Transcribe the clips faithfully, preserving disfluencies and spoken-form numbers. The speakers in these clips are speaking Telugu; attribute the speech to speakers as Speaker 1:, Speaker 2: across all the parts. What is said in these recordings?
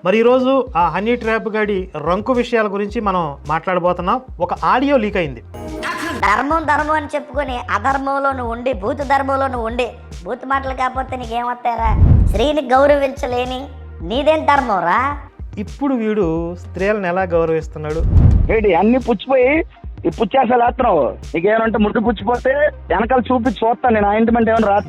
Speaker 1: మరి ఈరోజు ఆ హనీ ట్రాప్ గడి రంకు విషయాల గురించి మనం మాట్లాడబోతున్నాం. ఒక ఆడియో లీక్ అయింది.
Speaker 2: ధర్మం ధర్మం అని చెప్పుకొని అధర్మంలో నువ్వు ఉండి భూత ధర్మంలో నువ్వు ఉండి భూత మాటలు కాకపోతే నీకేమొస్తారా? స్త్రీని గౌరవించలేని నీదేం ధర్మం రా?
Speaker 1: ఇప్పుడు వీడు స్త్రీలను ఎలా గౌరవిస్తున్నాడు?
Speaker 3: ఏంటి అన్ని పుచ్చిపోయి ఈ పుచ్చేసలు వేస్తున్నావు. నీకేమంటే ముద్దు పుచ్చిపోతే వెనకాల చూపించి చూస్తాను నేను. ఆయింట్మెంట్ ఏమైనా రా.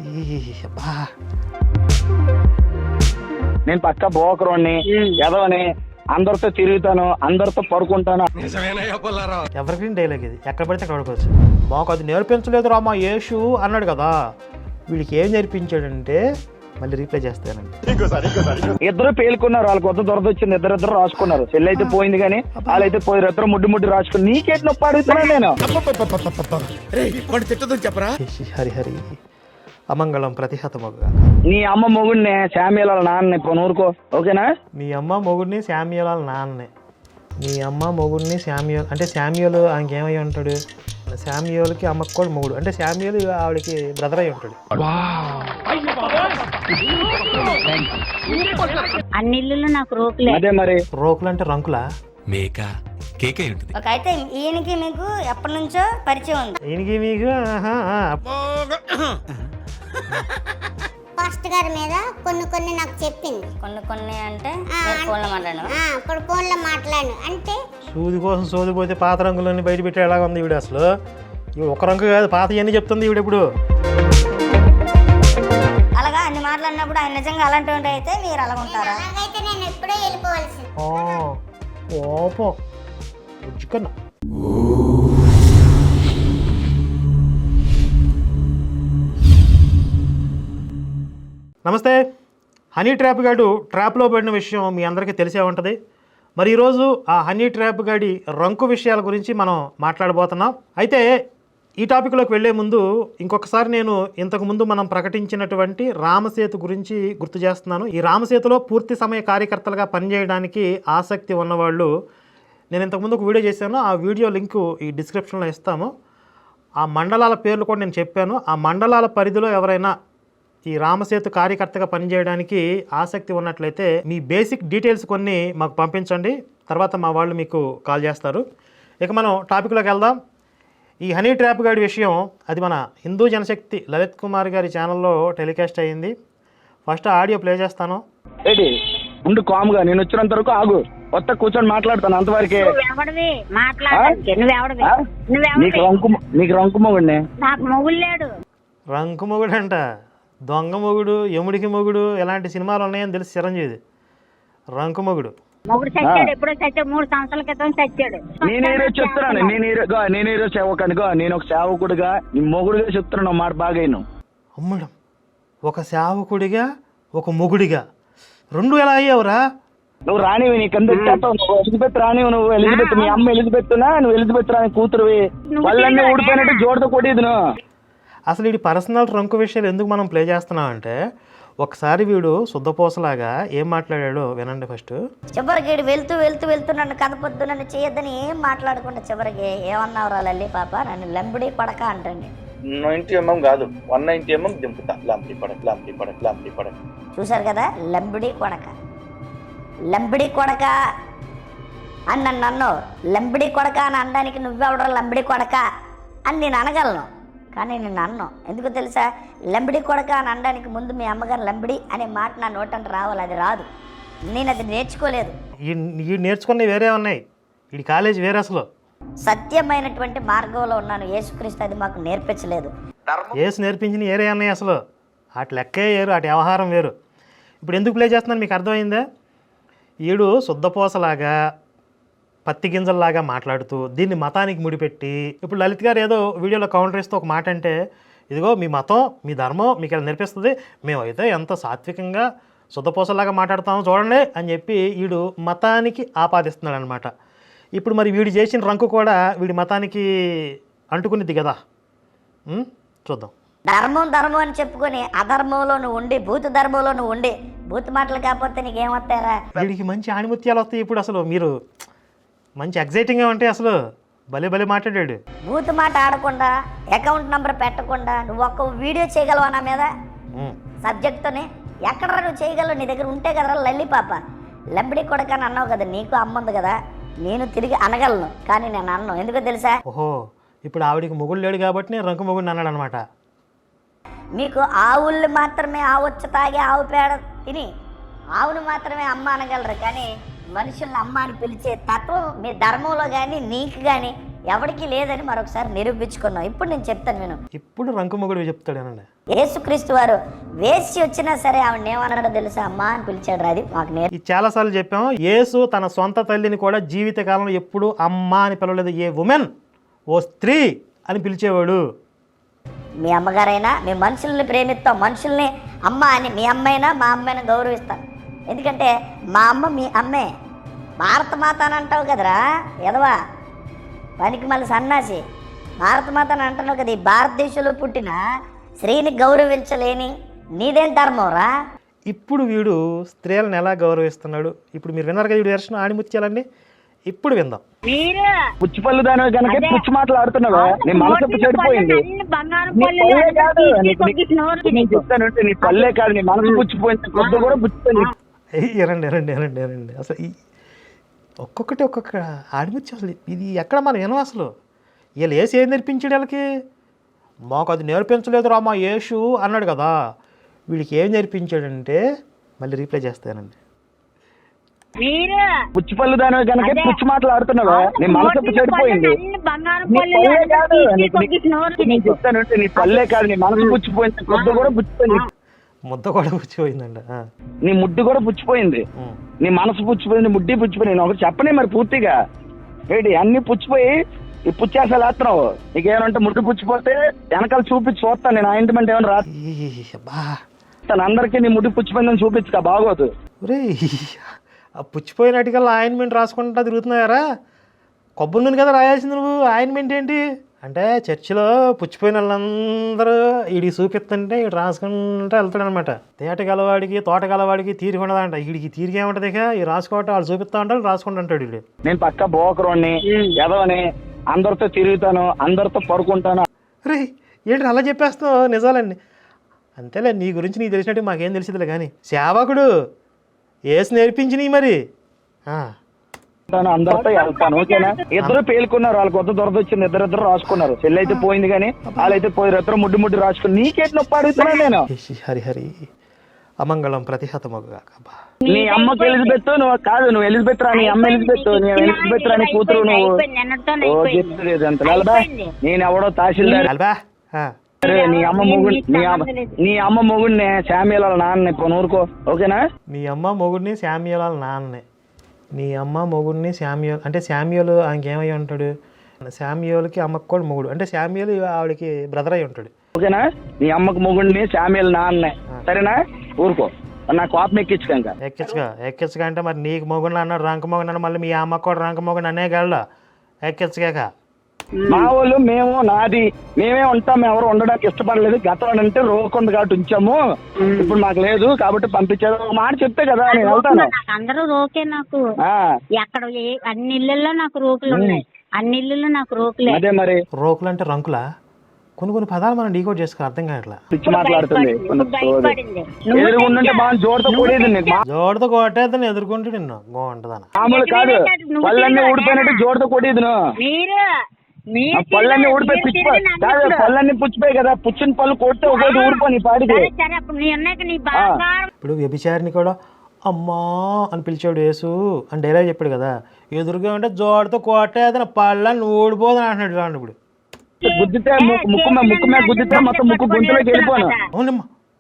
Speaker 3: నేను పక్క బోకరోని ఎదవని అందరితో తిరుగుతాను, అందరితో పడుకుంటాను.
Speaker 1: ఎవరికి డైలాగ్ ఇది, ఎక్కడ పడితే అక్కడ పడుకోవచ్చు. మాకు అది నేర్పించలేదు రా మా యేసు అన్నాడు కదా. వీడికి ఏం నేర్పించాడంటే మళ్ళీ రీప్లై చేస్తానండి.
Speaker 3: ఇద్దరు పేలుకున్నారు, వాళ్ళకి కొత్త దొరద వచ్చింది. ఇద్దరిద్దరు రాసుకున్నారు. చెల్లి అయితే పోయింది కానీ వాళ్ళైతే పోయారు. ఇద్దరు ముడ్డు ముడ్డు రాసుకుని నీకేటి నొప్పి అడుగుతున్నాను నేను.
Speaker 1: హరి హరి అమంగళం ప్రతిహతమగుగా.
Speaker 3: నీ అమ్మ మొగుడిని శామ్యుల నాన్న ఇప్పుడు ఊరుకో, ఓకేనా?
Speaker 1: మీ అమ్మ మొగుడిని శామ్యుల నాన్నే. మీ అమ్మ మొగుడిని శామ్యుల్ అంటే శామ్యుల్ ఆయనకి ఏమై ఉంటాడు? శామ్యుల్కి అమ్మకు కూడా మొగుడు అంటే శామ్యుల్ ఆవిడకి బ్రదర్ అయి ఉంటాడు.
Speaker 4: అన్ని ఇల్లు నాకు రోకులే.
Speaker 3: అదే మరి
Speaker 1: రోకులు అంటే రంకులా?
Speaker 5: మేక కేకే ఉంటుంది.
Speaker 2: ఒక అయితే ఈయనకి మీకు ఎప్పటి నుంచో పరిచయం ఉంది.
Speaker 1: ఈయనకి మీకు
Speaker 6: పాస్టర్ గారి మీద కొన్ని కొన్ని నాకు చెప్పింది.
Speaker 2: కొన్ని కొన్ని అంటే ఫోన్లో మాట్లాడాను.
Speaker 6: ఇప్పుడు ఫోన్లో మాట్లాడు అంటే
Speaker 1: సూది కోసం సోదిపోతే పాత రంగులన్నీ బయట పెట్టే ఎలాగ ఉంది ఈవిడ. అసలు ఇవి ఒక రంగు కాదు, పాత ఇవన్నీ చెప్తుంది ఈవిడ. ఇప్పుడు
Speaker 2: అలాగా అన్ని మాట్లాడినప్పుడు ఆయన నిజంగా అలాంటి అయితే మీరు అలా ఉంటారా?
Speaker 6: అలాగైతే నేను ఎప్పుడో వెళ్ళిపోవాల్సింది.
Speaker 1: ఓపో ఉజ్జుకన్నా. నమస్తే. హనీ ట్రాప్ గాడు ట్రాప్లో పడిన విషయం మీ అందరికీ తెలిసే ఉంటుంది. మరి ఈరోజు ఆ హనీ ట్రాప్ గాడి రంకు విషయాల గురించి మనం మాట్లాడబోతున్నాం. అయితే ఈ టాపిక్లోకి వెళ్లే ముందు ఇంకొకసారి నేను ఇంతకుముందు మనం ప్రకటించినటువంటి రామసేతు గురించి గుర్తు చేస్తున్నాను. ఈ రామసేతులో పూర్తి సమయ కార్యకర్తలుగా పనిచేయడానికి ఆసక్తి ఉన్నవాళ్ళు, నేను ఇంతకుముందు ఒక వీడియో చేశాను, ఆ వీడియో లింకు ఈ డిస్క్రిప్షన్లో ఇస్తాము. ఆ మండలాల పేర్లు కూడా నేను చెప్పాను. ఆ మండలాల పరిధిలో ఎవరైనా ఈ రామసేతు కార్యకర్తగా పనిచేయడానికి ఆసక్తి ఉన్నట్లయితే మీ బేసిక్ డీటెయిల్స్ కొన్ని మాకు పంపించండి. తర్వాత మా వాళ్ళు మీకు కాల్ చేస్తారు. ఇక మనం టాపిక్లోకి వెళ్దాం. ఈ హనీ ట్రాప్ గాడి విషయం అది మన హిందూ జనశక్తి లలిత్ కుమార్ గారి ఛానల్లో టెలికాస్ట్ అయ్యింది. ఫస్ట్ ఆడియో ప్లే చేస్తాను.
Speaker 3: ఏంటి ఉండు కామ్గా, నేను వచ్చినంత వరకు ఆగు. కొత్త కూర్చొని మాట్లాడతాను అంతవరకే. నీకు రంకు నీకు రంకు మొగుడిని.
Speaker 4: నాకు మొగుడు లేడు.
Speaker 1: రంకు మొగుడు అంట, దొంగ మొగుడు, యముడికి మొగుడు, ఇలాంటి సినిమాలు ఉన్నాయని తెలిసి చిరంజీవి. రంకు మొగుడు
Speaker 4: మొగుడు చచ్చాడు, ఎప్పుడో చచ్చాడు, మూడు సంవత్సరాల క్రితం చచ్చాడు.
Speaker 3: నేను ఈరోజు చెప్తున్నాను, నేను ఈరోజు నేను ఈరోజు సేవకునిగా, నేను ఒక సేవకుడిగా నీ మొగుడుగా చెప్తున్నాను మాట బాగా.
Speaker 1: అమ్మడం ఒక సేవకుడిగా ఒక మొగుడిగా రెండు ఎలా అయ్యావురా?
Speaker 3: నువ్వు రానివి, నీ కింద నువ్వు ఎలిజబెత్ రానివి. నువ్వు ఎలిజబెత్, మీ అమ్మ ఎలిజబెత్నా, నువ్వు ఎలిజబెత్ రాని కూతురువి. వాళ్ళన్నీ ఊడిపోయినట్టు జోడతో కొట్టేది నువ్వు.
Speaker 1: అసలు వీడి పర్సనల్ రంకు విషయాలు ఎందుకు మనం ప్లే చేస్తున్నాం అంటే, ఒకసారి వీడు శుద్ధపోసలాగా ఏం మాట్లాడాడో వినండి ఫస్ట్.
Speaker 2: చివరికి వీడు వెళ్తూ వెళ్తూ వెళ్తూ నన్ను కదపొద్దు, నన్ను చేయొద్దని ఏం మాట్లాడకుండా చివరికి ఏమన్నావురా లల్లి పాప, నన్ను లంబడి పడక అంటండి.
Speaker 7: నైన్టీ ఎంఎం కాదు, వన్ నైన్టీ ఎంఎం దింపుతా. లాంపి పడక లాంపి పడక లాంపి పడక.
Speaker 2: చూసారు కదా, లంబడి కొడక లంబడి కొడక అని నన్ను అన్నావు. లంబడి కొడక అని అనడానికి నువ్వెవడరా లంబడి కొడక అని నేను అనగలను, కానీ నేను అన్నాను. ఎందుకు తెలుసా? లంబడి కొడక అని అనడానికి ముందు మీ అమ్మగారు లంబడి అనే మాట నా నోటంటే రావాలి. అది రాదు, నేను అది నేర్చుకోలేదు.
Speaker 1: ఈ నేర్చుకున్నవి వేరే ఉన్నాయి, ఈ కాలేజ్ వేరే. అసలు
Speaker 2: సత్యమైనటువంటి మార్గంలో ఉన్నాను. యేసుక్రీస్తు అది మాకు నేర్పించలేదు.
Speaker 1: యేసు నేర్పించిన వేరే అన్నాయి. అసలు అటు లెక్కే వేరు, అటు వ్యవహారం వేరు. ఇప్పుడు ఎందుకు ప్లే చేస్తున్నాను మీకు అర్థమైందా? ఈడు శుద్ధపోసలాగా పత్తి గింజల్లాగా మాట్లాడుతూ దీన్ని మతానికి ముడిపెట్టి, ఇప్పుడు లలిత్ గారు ఏదో వీడియోలో కౌంటర్ ఇస్తూ ఒక మాట అంటే, ఇదిగో మీ మతం మీ ధర్మం మీకు ఇలా నేర్పిస్తుంది, మేమైతే ఎంత సాత్వికంగా శుద్ధపోసలాగా మాట్లాడుతామో చూడండి అని చెప్పి వీడు మతానికి ఆపాదిస్తున్నాడు అనమాట. ఇప్పుడు మరి వీడు చేసిన రంకు కూడా వీడి మతానికి అంటుకునిద్ది కదా. చూద్దాం.
Speaker 2: ధర్మం ధర్మం అని చెప్పుకొని అధర్మంలో నువ్వు ఉండి భూత ధర్మంలో నువ్వు ఉండి భూత మాటలు కాకపోతే నీకేమొస్తారా?
Speaker 1: వీడికి మంచి ఆణిముత్యాలు వస్తాయి. ఇప్పుడు అసలు మీరు మంచి ఎగ్జైటింగ్గా ఉంటే అసలు భలే భలే మాట్లాడాడు.
Speaker 2: బూత్ మాట ఆడకుండా, అకౌంట్ నంబర్ పెట్టకుండా నువ్వు ఒక్క వీడియో చేయగలవా నా మీద సబ్జెక్ట్తోనే? ఎక్కడ నువ్వు చేయగలవు? నీ దగ్గర ఉంటే కదరా లల్లి పాప. లంబడి కొడక అని అన్నావు కదా, నీకు అమ్మ ఉంది కదా, నేను తిరిగి అనగలను, కానీ నేను అన్ను. ఎందుకో తెలుసా?
Speaker 1: ఓహో, ఇప్పుడు ఆవిడికి మొగుడు లేడు కాబట్టి నేను రంకు మొగుడిని అన్నాడు అనమాట.
Speaker 2: మీకు ఆవుళ్ళు మాత్రమే ఆవొచ్చు తాగి ఆవు పేడ తిని ఆవును మాత్రమే అమ్మ అనగలరు, కానీ మనుషుల్ని అమ్మ అని పిలిచే తత్వం మీ ధర్మంలో కానీ నీకు కానీ ఎవరికి లేదని మరొకసారి నిరూపించుకున్నాం. ఇప్పుడు నేను చెప్తాను విను.
Speaker 1: ఇప్పుడు రంకు మొగుడు చెప్తాడేనండి.
Speaker 2: యేసుక్రీస్తు వారు వేసి వచ్చినా సరే ఆవిడ ఏమన్నాడో తెలుసా? అమ్మ అని పిలిచాడు. అది మాకు నేర్
Speaker 1: ఇది చాలాసార్లు చెప్పాము. యేసు తన సొంత తల్లిని కూడా జీవితకాలంలో ఎప్పుడు అమ్మ అని పిలవలేదు. ఏ ఉమెన్, ఓ స్త్రీ అని పిలిచేవాడు.
Speaker 2: మీ అమ్మగారైనా మీ మనుషుల్ని ప్రేమిస్తాం, మనుషుల్ని అమ్మ అని. మీ అమ్మైనా మా అమ్మాయిని గౌరవిస్తాం, ఎందుకంటే మా అమ్మ మీ అమ్మే. భారత మాత అని అంటావు కదరా ఎదవా, పనికి మళ్ళీ సన్నాసి. భారత మాత అని అంటున్నావు కదా, ఈ భారతదేశంలో పుట్టిన స్త్రీని గౌరవించలేని నీదేం ధర్మంరా?
Speaker 1: ఇప్పుడు వీడు స్త్రీలను ఎలా గౌరవిస్తున్నాడు ఇప్పుడు మీరు విన్నారు కదా. వీడు దర్శనం ఆణిముత్యాలండి. ఇప్పుడు విందాం.
Speaker 4: మీరు
Speaker 3: పుచ్చిపల్లి దాని కనుక పుచ్చి మాటలు ఆడుతున్నావా? నీ మనసు చెడిపోయింది.
Speaker 4: అన్ని బంగారం
Speaker 3: నీ
Speaker 4: పళ్ళు
Speaker 3: పల్లె కాదు, నీకు-
Speaker 4: కొద్దిగా నోరు
Speaker 3: నీకు నేను చెప్తాను, నీ పల్లె కాదు, నీ మనసు పుచ్చిపోయింది. కొద్ది కూడా పుచ్చిపోయింది.
Speaker 1: ఏయ్, ఎరండి ఎరండి ఎరండి ఎరండి అసలు ఈ ఒక్కొక్కటి ఒక్కొక్క ఆడిముత్యం. అసలు ఇది ఎక్కడ మనం వినం అసలు. వీళ్ళు ఏసు ఏం నేర్పించాడు వీళ్ళకి? మాకు అది నేర్పించలేదు రా మా యేసు అన్నాడు కదా. వీడికి ఏం నేర్పించాడంటే, మళ్ళీ రీప్లై చేస్తానండి.
Speaker 4: మీరు
Speaker 3: పుచ్చిపల్లి దాని కనుక పుచ్చి మాటలు ఆడుతున్నావా? నీ మనసు చెడిపోయింది.
Speaker 4: అన్ని బంగారం
Speaker 3: నీ
Speaker 4: పళ్ళు
Speaker 3: పల్లె కాదు, నీకు-
Speaker 4: కొద్దిగా నోరు
Speaker 3: నేను చెప్తాను, నీ పల్లె కాదు, నీ మనసు పుచ్చిపోయింది. కొద్ది కూడా పుచ్చిపోయింది.
Speaker 1: ముద్ద కూడా కూర్చిపోయిందండి.
Speaker 3: నీ ముడ్డు కూడా పుచ్చిపోయింది. నీ మనసు పుచ్చిపోయింది, ముడ్డి పుచ్చిపోయింది. నేను ఒకటి చెప్పనే మరి పూర్తిగా ఏంటి అన్ని పుచ్చిపోయి ఈ పుచ్చేసాలు వేస్తున్నావు. నీకేమంటే ముడ్డు పుచ్చిపోతే వెనకాల చూపించి చూస్తాను నేను. ఆయింట్మెంట్ ఏమైనా రాస్తాను అందరికీ. నీ ముడ్డు పుచ్చిపోయిందని చూపించుక బాగోదు.
Speaker 1: ఒరే, ఆ పుచ్చిపోయినట్టుకల్లా ఆయింట్మెంట్ రాసుకుంటా తిరుగుతున్నాయారా? కొబ్బరి నూనె కదా రాయాల్సింది నువ్వు. ఆయింట్మెంట్ ఏంటి అంటే చర్చిలో పుచ్చిపోయిన వాళ్ళందరూ వీడికి చూపిస్తుంటే వీడు రాసుకుంటూ వెళ్తాడనమాట. తేట గలవాడికి తోట గలవాడికి తీరిక ఉండదంట. వీడికి తీరిక ఏముంటది? ఇక ఈ రాసుకోవటం వాళ్ళు చూపిస్తా ఉంటారు, రాసుకుంటూ ఉంటాడు వీడు.
Speaker 3: నేను పక్క బోకరోని ఎదవని, అందరితో తిరుగుతాను, అందరితో పడుకుంటాను.
Speaker 1: రే ఏంటి అలా చెప్పేస్తావు? నిజాలండి. అంతేలే, నీ గురించి నీకు తెలిసినట్టు మాకేం తెలిసిందిలే. కానీ సేవకుడు ఏసు నేర్పించినవి మరి.
Speaker 3: అందరితో వెళ్తాను, ఓకేనా? ఇద్దరు పేలుకున్నారు, వాళ్ళకి కొత్త దొరద వచ్చింది, ఇద్దరు ఇద్దరు రాసుకున్నారు. చెల్లి అయితే పోయింది కానీ వాళ్ళైతే పోయారు. ఇద్దరు ముడ్డు ముడ్డు రాసుకుని నీకేటి నొప్పి అడుగుతున్నాను నేను.
Speaker 1: హరి హరి అమంగళం ప్రతిహతమగుగా.
Speaker 3: నీ అమ్మకి ఎలిజబెత్ నువ్వు కాదు, నువ్వు ఎలిజబెత్ రా. నీ అమ్మ ఎలిజబెత్, నీ ఎలిజబెత్ రాని కూతురు నువ్వు. ఓ చెప్తుంది అంత వెళ్ళబా. నేను ఎవడో తహసీల్దార్. నీ అమ్మ మొగుడు, నీ అమ్మ నీ అమ్మ మొగుడిని శామ్యుల్ వాళ్ళ నాన్న. ఇప్పుడు ఊరుకో, ఓకేనా?
Speaker 1: నీ అమ్మ మొగుడిని శామ్యుల్ వాళ్ళ నాన్నే. నీ అమ్మ మొగుడిని శామ్యుల్ అంటే శామ్యుల్ ఆయనకేమై ఉంటాడు? శామ్యుల్కి అమ్మకు కూడా మొగుడు అంటే శామ్యుల్ ఆవిడకి బ్రదర్ అయి ఉంటాడు,
Speaker 3: ఓకేనా? నీ అమ్మకు మొగుడిని శామ్యుల్ నాన్నే, సరేనా? ఊరుకో, నా కోపం ఎక్కించుక.
Speaker 1: ఎక్కించుగా ఎక్కించుగా అంటే మరి నీకు మొగుడిని అన్నాడు, రంక మొగుడు అన్నాడు, మళ్ళీ మీ అమ్మకు కూడా రంక మొగుడు అనే గళ్ళ ఎక్కించుగాక.
Speaker 3: మా వాళ్ళు మేము నాది మేమే ఉంటాం, ఎవరు ఉండడానికి ఇష్టపడలేదు. గతంలో అంటే రోకుంది కాబట్టి ఉంచాము, ఇప్పుడు మాకు లేదు కాబట్టి పంపించారు. ఒక మాట చెప్తే కదా నేను వెళ్తాను.
Speaker 4: అందరూ రోకే నాకు. ఎక్కడ ఏ- అన్ని ఇళ్ళల్లో నాకు రోకులు ఉన్నాయి, అన్ని ఇళ్ళల్లో నాకు రోకులే.
Speaker 3: అదే మరి
Speaker 1: రోకులు అంటే రంకులా? కొన్ని కొన్ని పదాలు మనం డీకోడ్ చేసుకో, అర్థం కావట్లా.
Speaker 3: పిచ్చి మాట్లాడుతుంది.
Speaker 4: భయపడింది.
Speaker 3: ఎదురుకుంటుంటే బాగా జోడుతో కూడేది నీకు.
Speaker 1: జోడతో కొట్టేదని ఎదుర్కొంటే నిన్ను బాగుంటుందన్న.
Speaker 3: మామూలు కాదు, పళ్ళన్నీ ఊడిపోయినట్టు జోడుతో కొట్టేది నువ్వు.
Speaker 4: మీరు మీరు
Speaker 3: పళ్ళన్నీ ఊడిపోయి
Speaker 4: మీరు
Speaker 3: పుచ్చిపోయి
Speaker 4: తిరిగి
Speaker 3: కాదు,
Speaker 4: నన్ను
Speaker 3: పళ్ళన్నీ పుచ్చిపోయి కదా. పుచ్చిన పళ్ళు కొడితే ఒకటి ఊడిపోయి పాడికి.
Speaker 4: సరే సరే అప్పుడు నీ ఉన్నాక నీ బంగారం
Speaker 1: ఇప్పుడు వ్యభిచారిని కూడా అమ్మా అని పిలిచాడు యేసు అని డైలాగ్ చెప్పాడు కదా. ఎదురుగా ఉంటే జోడతో కొట్టేదని పళ్ళని ఊడిపోదని అంటున్నాడు చూడండి. ఇప్పుడు
Speaker 3: గుద్దితే ముక్కు ముక్కు మీద ముక్కు మీద గుద్దితే మొత్తం ముక్కు గుంతలోకి వెళ్ళిపోను.
Speaker 1: అవునమ్మా,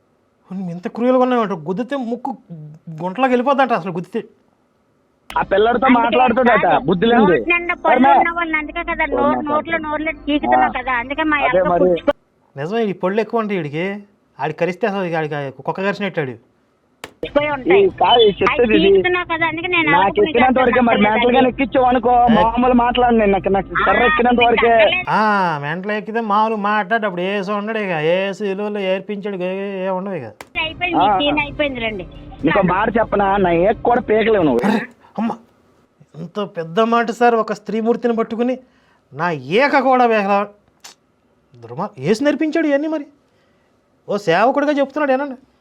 Speaker 1: ఎంత క్రూయల్గా ఉన్నాయంట. గుద్దితే ముక్కు గుంటలోకి వెళ్ళిపోద్దంట అసలు గుద్దితే.
Speaker 3: ఆ పిల్లడితో మాట్లాడుతాడట బుద్ధి లేదు.
Speaker 4: నోటి నిండా పళ్ళు ఉన్న వాళ్ళు అందుకే కదా నోరు నోట్లో నోర్లు చీకుతున్నావు కదా, అందుకే మా
Speaker 3: అదే
Speaker 4: అక్క
Speaker 3: మరి
Speaker 1: నిజమే, ఈ పళ్ళు ఎక్కువ ఉంటాయి వీడికి. ఆడికి కరిస్తే అసలు ఆడికి కుక్క కరిచినట్టాడు.
Speaker 4: పుచ్చిపోయి
Speaker 3: ఈ
Speaker 4: ఉంటాయి.
Speaker 3: కాదు ఈ
Speaker 4: అవి
Speaker 3: చెప్పేది ఇది.
Speaker 4: చీకుతున్నావు కదా అందుకే నేను
Speaker 3: నాకు
Speaker 4: అడగకుండా
Speaker 3: ఎక్కినంత వరకే మరి
Speaker 4: చేస్తాను.
Speaker 3: మెంటల్ గా ఎక్కించావు అనుకో మామూలు మాట్లాడి నేను నాకు నాకు కర్ర ఎక్కినంత వరకే.
Speaker 1: ఆ మెంటలు ఎక్కితే మామూలు మాట్లాడు. అప్పుడు ఏసు ఉండడు ఇక, ఏసు ఇలువలు ఏర్పించాడు, ఏ ఉండవు ఇక.
Speaker 4: అయిపోయింది మీ సీన్ అయిపోయింది రండి.
Speaker 3: నీకు మాట చెప్పనా, నా ఏక్ కూడా పేకలేవు నువ్వు.
Speaker 1: అమ్మ, ఎంత పెద్ద మాట సార్. ఒక స్త్రీమూర్తిని పట్టుకుని నా ఏక కూడా వేగల దుర్మా ఏసు నేర్పించాడు ఇవన్నీ. మరి ఓ సేవకుడిగా చెప్తున్నాడు ఏనండి.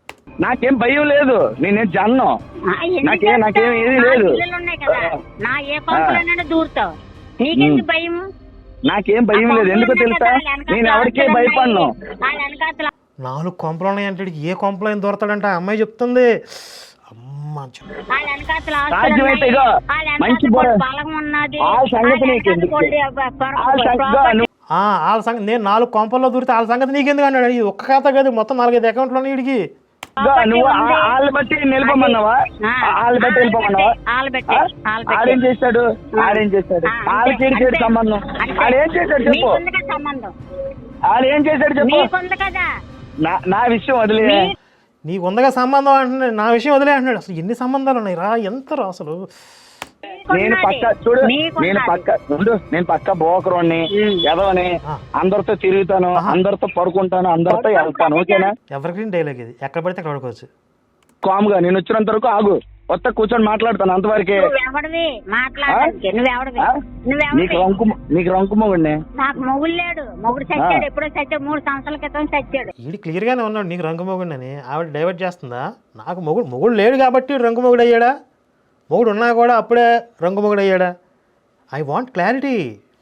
Speaker 3: నాకేం భయం లేదు, నేనేం జన్ను.
Speaker 4: ఆ, ఎందుకు
Speaker 3: నాకేం- నాకేం
Speaker 4: చేస్తావు?
Speaker 3: ఏమీ
Speaker 4: నా
Speaker 3: లేదు.
Speaker 4: ఇల్లులు ఉన్నాయి కదా, నా ఏ కొంపలోనైనా దూరుతావు, నీకెందుకు భయం?
Speaker 3: నాకేం భయం లేదు, ఎందుకో తెలుసా? నేను ఎవరికే భయపడను.
Speaker 4: వాళ్ళ వెనకాతల
Speaker 1: నాలుగు కొంపలు ఉన్నాయంటే ఈడికి ఏ కొంపలో ఏం దొరతాడంటే ఆ అమ్మాయి చెప్తుంది. అమ్మ చెప్
Speaker 4: వాళ్ళ వెనకాతల ఆస్తులు
Speaker 3: సాధ్యమైతే
Speaker 4: ఉన్నాయి,
Speaker 3: ఇగో
Speaker 4: వాళ్ళ
Speaker 3: మంచి
Speaker 4: వెనకాతల
Speaker 3: బొర-
Speaker 4: బలం ఉన్నది,
Speaker 3: ఆ సంగతి
Speaker 4: వాళ్ళ
Speaker 3: నీకు
Speaker 4: వెనకాతల
Speaker 3: ఎందుకు?
Speaker 4: కొద్ది-
Speaker 3: ఆ సంగతి
Speaker 4: ప్రాపర్టీ
Speaker 3: నువ్వు-
Speaker 1: ఆ, వాళ్ళ సంగతి నేను నాలుగు కొంపల్లో దూరితే వాళ్ళ సంగతి నీకెందుకు అన్నాడు. ఇది ఒక్క ఖాతా కాదు, మొత్తం నాలుగైదు అకౌంట్లు ఉన్నాయి వీడికి.
Speaker 3: ఇగో నువ్వు ఆ- వాళ్ళ బట్టి నిలబొమ్మన్నావా? వాళ్ళ బట్టి వెళ్ళిపోమన్నావా?
Speaker 4: వాళ్ళ బట్టి వాళ్ళ బట్టి
Speaker 3: ఆడేం చేస్తాడు ఆడేం చేస్తాడు
Speaker 4: ఆ,
Speaker 3: వాళ్ళ
Speaker 4: అంతే,
Speaker 3: చెడు చెడు
Speaker 4: అంతే.
Speaker 3: సంబంధం.
Speaker 4: అంతే.
Speaker 3: ఆడేం చేశాడు చెప్పు,
Speaker 4: నీకుంది కదా సంబంధం,
Speaker 3: ఆడేం చేశాడు చెప్పు.
Speaker 4: నీకుంది కదా.
Speaker 3: నా నా విషయం వదిలే.
Speaker 4: నీ-
Speaker 1: నీకు ఉందగా సంబంధం అంటున్నాడు, నా విషయం వదిలే అంటున్నాడు. అసలు ఎన్ని సంబంధాలు ఉన్నాయి రా, ఎంత రా అసలు.
Speaker 3: నేను పక్క చూడు,
Speaker 4: నీకున్నది.
Speaker 3: నేను పక్క ఉండు, నేను పక్క బోకరోని ఎదవని,
Speaker 1: ఆ.
Speaker 3: అందరితో తిరుగుతాను, అందరితో పడుకుంటాను, అందరితో వెళ్తాను, ఓకేనా?
Speaker 1: ఎవరికైనా డైలాగ్ ఇది, ఎక్కడ పడితే అక్కడ పడుకోవచ్చు.
Speaker 3: కామ్గా నేను వచ్చినంత వరకు ఆగు, కొత్త కూర్చొని మాట్లాడతాను అంతవరకే.
Speaker 4: నువ్వెవడివి మాట్లాడడానికి? నువ్వెవడివి
Speaker 3: ఆ? నీకు
Speaker 4: నువ్వెవడివి
Speaker 3: రంకు నీకు రంకు మొగుడిని.
Speaker 4: నాకు మొగుడు లేడు, మొగుడు చచ్చాడు, ఎప్పుడో చచ్చాడు, మూడు సంవత్సరాల క్రితం చచ్చాడు.
Speaker 1: ఈడు క్లియర్గానే ఉన్నాడు నీకు రంగు మొగుడిని, ఆవిడ డైవర్ట్ చేస్తుందా? నాకు మొగుడు మొగుడు లేడు కాబట్టి ఈడు రంగు మొగుడు అయ్యాడా? మొగుడు ఉన్నా కూడా అప్పుడే రంగు మొగుడు అయ్యాడా? I want clarity.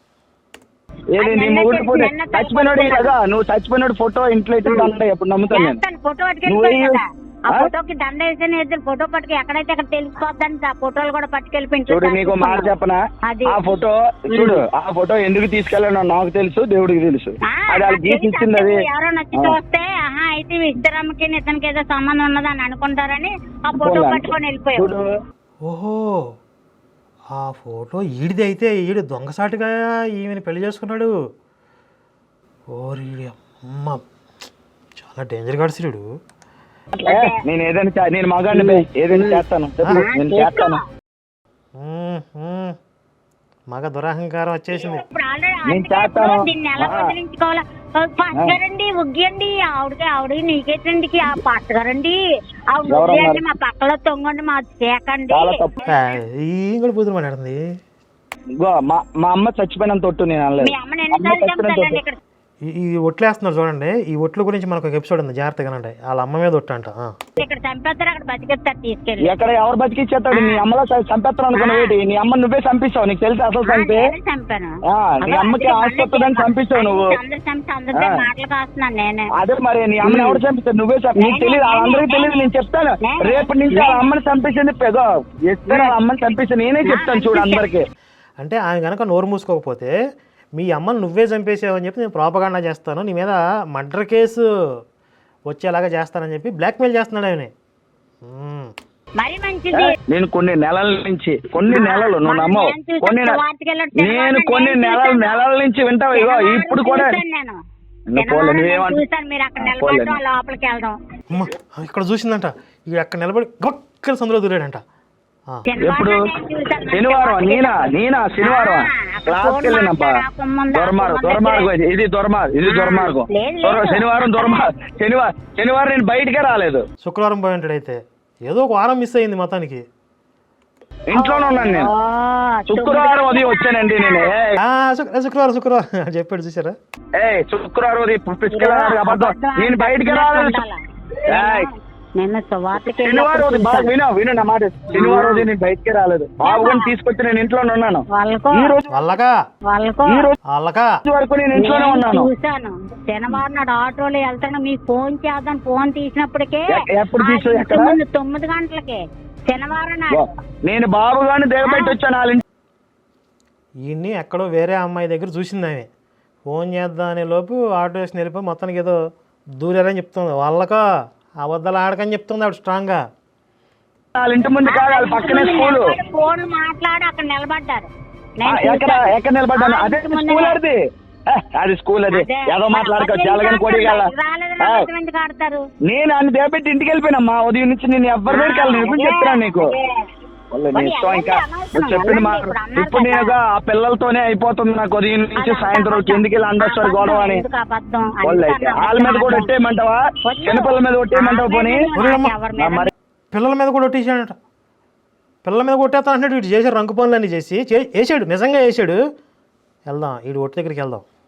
Speaker 3: ఏది నీ
Speaker 4: నిన్న
Speaker 3: మొగుడు
Speaker 4: చెప్పి-
Speaker 3: ఫోటో
Speaker 4: నిన్న
Speaker 3: చచ్చిపోయినాడు కదా, నువ్వు చచ్చిపోయినాడు ఫోటో ఇంట్లో ఎత్తుకుంటే ఎప్పుడు నమ్ముతాను నేను.
Speaker 4: చేస్తాను, ఫోటో
Speaker 3: నువ్వు
Speaker 4: పట్టుకెళ్ళిపోయి కదా, ఆ
Speaker 3: ఆ?
Speaker 4: ఫోటోకి దండ వేసిన ఇద్దరు ఫోటో పట్టుకు ఎక్కడైతే అక్కడ తెలిసిపోద్దని ఆ ఫోటోలు కూడా పట్టుకెళ్ళి ఇంట్లో
Speaker 3: చూడు నీకు మాట చెప్పనా,
Speaker 4: అది.
Speaker 3: ఆ ఫోటో చూడు, ఆ ఫోటో ఎందుకు తీసుకెళ్ళానో నాకు తెలుసు, దేవుడికి తెలుసు.
Speaker 4: ఆ,
Speaker 3: అది వాళ్ళు
Speaker 4: నాకు
Speaker 3: గీసి
Speaker 4: తెలిసి
Speaker 3: ఇచ్చింది అది.
Speaker 4: అంటే ఎవరో నచ్చి చూస్తే ఆహా అయితే ఇద్దరమ్మకి ఇతనికి ఏదో సంబంధం ఉన్నదని అనుకుంటారని ఆ ఫోటో
Speaker 3: పోన్లే.
Speaker 4: పట్టుకొని వెళ్ళిపోయావు.
Speaker 3: చూడు
Speaker 1: ఓహో, ఆ ఫోటో ఈడిది అయితే ఈడు దొంగసాటుగా ఈమెను పెళ్లి చేసుకున్నాడు. ఓరి అమ్మ, చాలా డేంజర్ గాడు వీడు.
Speaker 3: ఏ, నేను ఏదైనా చే- నేను మగాడిని బే, ఏదైనా చేస్తాను చెప్పు, నేను చేస్తాను.
Speaker 1: మ్మ్, మ్మ్. మగ దురహంకారం వచ్చేసింది.
Speaker 4: ఇప్పుడు ఆల్రెడీ
Speaker 3: నేను
Speaker 4: అందుకే
Speaker 3: చేస్తాను.
Speaker 4: ఇప్పుడు దీన్ని ఎలా
Speaker 3: ఆ.
Speaker 4: వదిలించుకోవాలా? పచ్చగారండి ఉగ్గియండి ఆవిడకి ఆవిడ నీకేటండి ఆ పచ్చగారండి ఆవిడ
Speaker 3: ఎవరన్నారు?
Speaker 4: ఉగ్గియండి మా పక్కలో తొంగండి మా చేకండి.
Speaker 3: చాలా తప్పు.
Speaker 1: ఆ, ఈ కూడా బుద్ధులు మాట్లాడుతుంది.
Speaker 3: ఇగో మా మా అమ్మ చచ్చిపోయినంత ఒట్టు నేను అనలేదు.
Speaker 4: మీ అమ్మని
Speaker 3: అమ్మ
Speaker 4: ఎన్నిసార్లు
Speaker 3: చచ్చిపోయినంత
Speaker 4: చంపుతారండి
Speaker 3: ఒట్టు.
Speaker 4: ఇక్కడ?
Speaker 1: ఈ ఈ ఒట్లు వేస్తున్నారు చూడండి, ఈ ఒట్ల గురించి మనకు ఒక ఎపిసోడ్ ఉంది, జాగ్రత్తగా అండి. వాళ్ళ అమ్మ మీద ఒట్టు అంట. ఆ.
Speaker 4: ఇక్కడ చంపేస్తారు, అక్కడ బతికేస్తారు తీసుకెళ్ళి.
Speaker 3: ఎక్కడ ఎవరు బతికిచ్చేస్తాడు? నీ అమ్మలో చంపేస్తాను అనుకున్నావు ఏంటి? నీ అమ్మ నువ్వే చంపిస్తావు, నీకు తెలుసు అసలు సంగతి.
Speaker 4: నేనే చంపాను.
Speaker 3: ఆ, నీ అమ్మకి ఆస్తి వస్తుందని చంపిస్తావు నువ్వు.
Speaker 4: అందరు చంపి అందరితో
Speaker 3: ఆ.
Speaker 4: మాటలు కాస్తున్నాను నేనే.
Speaker 3: అదే మరి నీ అమ్మని ఎవరు చంపిస్తావు? నువ్వే చంపి, నీకు తెలియదు, వాళ్ళందరికీ తెలియదు. నేను చెప్తాను రేపు నుంచి వాళ్ళ అమ్మని చంపేసింది పెదో ఎక్కడ వాళ్ళ అమ్మని చంపేసి నేనే చెప్తాను చూడు అందరికి.
Speaker 1: అంటే ఆమె కనుక నోరు మూసుకోకపోతే మీ అమ్మని నువ్వే చంపేసావని చెప్పి నేను ప్రాపగాండా చేస్తాను, నీ మీద మర్డర్ కేసు వచ్చేలాగా చేస్తానని చెప్పి బ్లాక్మెయిల్ చేస్తున్నాడు ఆయన. మ్మ్.
Speaker 4: మరి మంచిది.
Speaker 3: నేను కొన్ని నెలల నుంచి కొన్ని నెలలు నువ్వు నమ్మవు,
Speaker 4: నేను చూసాను,
Speaker 3: కొన్ని నె-
Speaker 4: వార్తకి వెళ్ళాడు,
Speaker 3: నేను
Speaker 4: తెల్లవారులు
Speaker 3: కొన్ని
Speaker 4: నేను
Speaker 3: నెలల
Speaker 4: చూసాను.
Speaker 3: నెలల నుంచి వింటావు. ఇగో ఇప్పుడు కూడా
Speaker 4: చూసాను నేను.
Speaker 3: నువ్వు పోలే,
Speaker 4: తెల్లవారులు
Speaker 3: నువ్వేమంట-
Speaker 4: నేను చూసాను, మీరు అక్కడ
Speaker 3: పోలే.
Speaker 4: నిలబడడం లోపలికి వెళ్ళడం.
Speaker 1: అమ్మ, ఇక్కడ చూసిందంట, ఇక అక్కడ నిలబడి గొక్కల సందులో దూరాడంట. ఆ.
Speaker 3: ఎప్పుడు?
Speaker 4: తెల్లవారులు నేను చూసాను.
Speaker 3: శనివారం నేనా నేనా శనివారం
Speaker 4: ఆ, అక్కడ
Speaker 3: క్లాస్కి
Speaker 4: ఫోన్
Speaker 3: వెళ్ళినప్పా.
Speaker 4: మాట్లాడాకుండా
Speaker 3: దొరమార్గం
Speaker 4: ఫోన్
Speaker 3: దొరమార్గం
Speaker 4: దగ్గరే.
Speaker 3: ఇది ఇది దొరమార్గం ఇది
Speaker 4: ఆ,
Speaker 3: దొరమార్గం
Speaker 4: లేదు,
Speaker 3: దొర-
Speaker 4: లేదు.
Speaker 3: శనివారం దొరమార్గం శనివారం శనివారం నేను బయటికే రాలేదు,
Speaker 1: శుక్రవారం పోయి ఉంటాడు అయితే, ఏదో ఒక వారం మిస్ అయింది మొత్తానికి.
Speaker 3: ఇంట్లోనే ఉన్నాను నేను.
Speaker 4: ఓ,
Speaker 3: శుక్రవారం ఉదయం వచ్చానండి నేను. ఏయ్,
Speaker 1: ఆ, శుక్ర- శుక్రవారం శుక్రవారం చెప్పాడు చూసారా.
Speaker 3: ఏయ్ శుక్రవారం ఉదయం పిచ్చుకెళ్ళాడు అబద్ధం, నేను బయటికి రాలేదు. ఏయ్,
Speaker 4: నిన్న సువార్తకి
Speaker 3: శనివారం ఉదయం బాగా విను విను నా మాట, శనివారం ఉదయం నేను బయటికే రాలేదు, బాబుని తీసుకొచ్చి నేను ఇంట్లోనే ఉన్నాను.
Speaker 4: వాళ్ళకో
Speaker 3: ఈ రోజు
Speaker 1: వాళ్ళకా
Speaker 4: వాళ్ళకో
Speaker 3: ఈ రోజు
Speaker 1: వాళ్ళకా
Speaker 3: వరకు నేను ఇంట్లోనే
Speaker 4: నేను
Speaker 3: ఉన్నాను.
Speaker 4: చూశాను. శనివారం నాడు ఆటోలో వెళ్తాను, మీకు ఫోన్ చేద్దాం, ఫోన్ తీసినప్పటికే
Speaker 3: ఎ- ఎప్పుడు
Speaker 4: ఆ
Speaker 3: తీసావు?
Speaker 4: ఇంటి
Speaker 3: ఎక్కడ?
Speaker 4: ముందు తొమ్మిది గంటలకే శనివారం నాడు.
Speaker 3: నేను బాబు గారిని దిగబెట్టి వచ్చాను వాళ్ళ ఇంటి.
Speaker 1: ఈయన్ని ఎక్కడో వేరే అమ్మాయి దగ్గర చూసింది ఆమె, ఫోన్ చేద్దాం అనే లోపు ఆటో వేసి వెళ్ళిపోయి మొత్తానికి ఏదో దూరారని చెప్తుంది. వాళ్ళకా అబద్ధాలు ఆడకని చెప్తుంది ఆవిడ స్ట్రాంగ్గా.
Speaker 3: వాళ్ళ ఇంటి ముందు కాదు, వాళ్ళ పక్కనే స్కూలు.
Speaker 4: నిలబడి ఫోన్ మాట్లాడి అక్కడ నిలబడ్డారు. నేను
Speaker 3: ఎక్కడ
Speaker 4: చూశాను.
Speaker 3: ఎక్కడ నిలబడ్డాను?
Speaker 4: ఆ
Speaker 3: అదే
Speaker 4: ఇంటి ముందే.
Speaker 3: స్కూల్ అది ఏ, అది స్కూల్ అది
Speaker 4: అదే.
Speaker 3: ఏదో మాట్లాడుకోవచ్చు,
Speaker 4: అబద్ధం
Speaker 3: ఎలాగని కొడి
Speaker 4: ఆడతారు, రాలేదని అబద్ధం ఎందుకు ఆడతారు?
Speaker 3: నేను అన్ని దేపెట్టి ఇంటికి వెళ్ళిపోయినమ్మా ఉదయం నుంచి. నేను ఎవరి దగ్గరికి వెళ్ళను, ఇప్పుడు చెప్తున్నాను నీకు.
Speaker 4: అదే.
Speaker 3: వాళ్ళ నీ
Speaker 4: మరి
Speaker 3: ఇష్టం ఇంకా
Speaker 4: వెళ్ళండి, అనవసరం,
Speaker 3: నువ్వు చెప్పింది మా
Speaker 4: వెళ్ళండి, ఇప్పుడు అన్నారు
Speaker 3: ఇప్పుడు
Speaker 4: కదా.
Speaker 3: నేనుగా ఆ పిల్లలతోనే అయిపోతుంది నాకు ఉదయం నుంచి
Speaker 4: అది
Speaker 3: సాయంత్రం
Speaker 4: అబద్ధం.
Speaker 3: ఎందుకు వెళ్ళి అందరు గొడవ అని.
Speaker 4: ఎందుకు అబద్ధం?
Speaker 3: వాళ్ళు అయితే
Speaker 4: అందుకన్నా
Speaker 3: వాళ్ళ మీద కూడా ఒట్టేయమంటావా?
Speaker 4: వద్దు.
Speaker 3: చిన్నపిల్లల మీద ఒట్టేయమంటావా పోనీ?
Speaker 1: ఒరేయమ్మ.
Speaker 4: ఎవరి మీద?
Speaker 3: మరి
Speaker 1: పిల్లల మీద కూడా ఒట్టేసాడట. పిల్లల మీద కొట్టేస్తా అంటున్నాడు. వీడు చేశాడు రంగు పనులన్నీ చేసి చే- వేసాడు, నిజంగా వేసాడు. వెళ్దాం, వీడు ఒట్టి దగ్గరికి వెళ్దాం.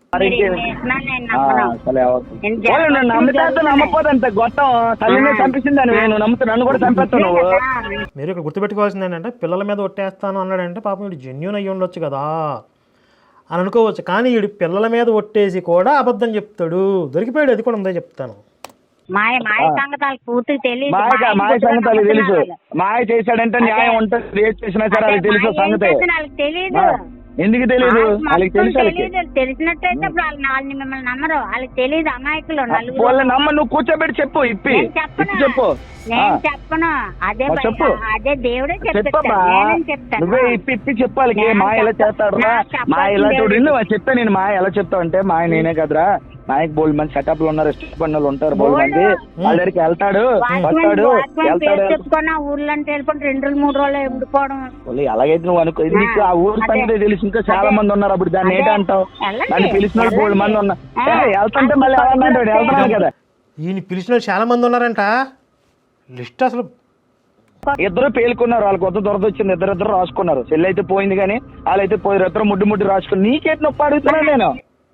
Speaker 3: మరి
Speaker 4: మీరు
Speaker 3: ఇంకేం?
Speaker 4: ఎన్ని వేసినా నేను
Speaker 3: ఆ,
Speaker 4: నమ్మను.
Speaker 3: సరే
Speaker 4: నేను
Speaker 3: ఓకే. ఓలే, నన్ను నమ్మితే నమ్మపోదంత గొట్టం తల్లిని చంపించింది అని నువ్వు నమ్ముతా నన్ను కూడా చంపేస్తావు నువ్వు.
Speaker 1: మీరు ఇక్కడ గుర్తుపెట్టుకోవాల్సింది ఏంటంటే పిల్లల మీద ఒట్టేస్తాను అన్నాడంటే పాపం వీడు జెన్యున్ అయ్యి ఉండొచ్చు కదా అని అనుకోవచ్చు. కానీ వీడు పిల్లల మీద ఒట్టేసి కూడా అబద్ధం చెప్తాడు. దొరికిపోయాడు, అది కూడా ఉందే చెప్తాను.
Speaker 4: మాయ మాయ సంగతాలు పూర్తిగా తెలియదు.
Speaker 3: మాయ మాయ సంగతి అది తెలుసు. మాయ చేశాడంటే న్యాయం ఉంటుంది, ఏది చేసినా సరే అది తెలుసు సంగతే.
Speaker 4: వాళ్ళకి తెలియదు.
Speaker 3: ఆ, ఎందుకు తెలియదు? వాళ్ళకి తెలుసు. వాళ్ళకి
Speaker 4: తెలియదు. తెలిసినట్టయితే ఇప్పుడు వాళ్ళు వాళ్ళని మిమ్మల్ని నమ్మరు. వాళ్ళకి తెలియదు. అమాయకులు నలుగురు.
Speaker 3: వాళ్ళ నమ్మ నువ్వు కూర్చోబెట్టి చెప్పు, ఇప్పి
Speaker 4: నేను చెప్పను.
Speaker 3: ఇప్పి చెప్పు.
Speaker 4: నేను చెప్పను. అదే
Speaker 3: మరి చెప్పు.
Speaker 4: బయట- అదే దేవుడే చెప్తాడు.
Speaker 3: చెప్పమ్మా,
Speaker 4: నేనేం చెప్తాను.
Speaker 3: నువ్వే ఇప్పి ఇప్పి చెప్పాలి.
Speaker 4: నేను
Speaker 3: మా ఎలా
Speaker 4: చెప్ప-
Speaker 3: చేస్తాడు రా,
Speaker 4: నాకు చెప్పాల్సింది
Speaker 3: మా ఎలా చూడు.
Speaker 4: దేవుడు.
Speaker 3: నువ్వు చెప్తా నేను మా ఎలా చెప్తావు అంటే మా నేనే కదరా, మాయకు బోల్డ్ మంది సెటప్ లో ఉన్నారు, స్టేట్ పన్నులు ఉంటారు బోల్డ్ మంది. వాళ్ళ దగ్గరికి వెళ్తాడు వస్తాడు వెళ్తాడు.
Speaker 4: చెప్పుకొని ఆ ఊర్లో వెళ్ళిపోయి రెండు రోజులు మూడు రోజులు ఉండిపోవడం.
Speaker 3: వాళ్ళు ఎలాగైతే నువ్వు అనుకో, ఇది నీకు ఆ ఊరు సంగతి తెలుసు. ఇంకా చాలా మంది ఉన్నారు, అప్పుడు దాన్ని ఏంటి అంటావు?
Speaker 4: వెళ్ళండి.
Speaker 3: దాన్ని పిలిచిన వాళ్ళు బోల్డ్ మంది ఉన్నారు.
Speaker 4: ఆ.
Speaker 3: ఏ, వెళ్తుంటే మళ్ళీ ఎవరన్నా వెళ్తున్నాను కదా.
Speaker 1: ఈయన పిలిచిన వాళ్ళు చాలా మంది ఉన్నారంట. లిస్ట్ అసలు
Speaker 3: ఇద్దరు పేలుకున్నారు, వాళ్ళకి కొత్త దొరద వచ్చింది, ఇద్దరు ఇద్దరు రాసుకున్నారు. చెల్లి అయితే పోయింది కానీ వాళ్ళైతే పోయి ఇద్దరు ముడ్డు ముడ్డు రాసుకుని నీకేటి నొప్పి అడుగుతున్నాను నేను.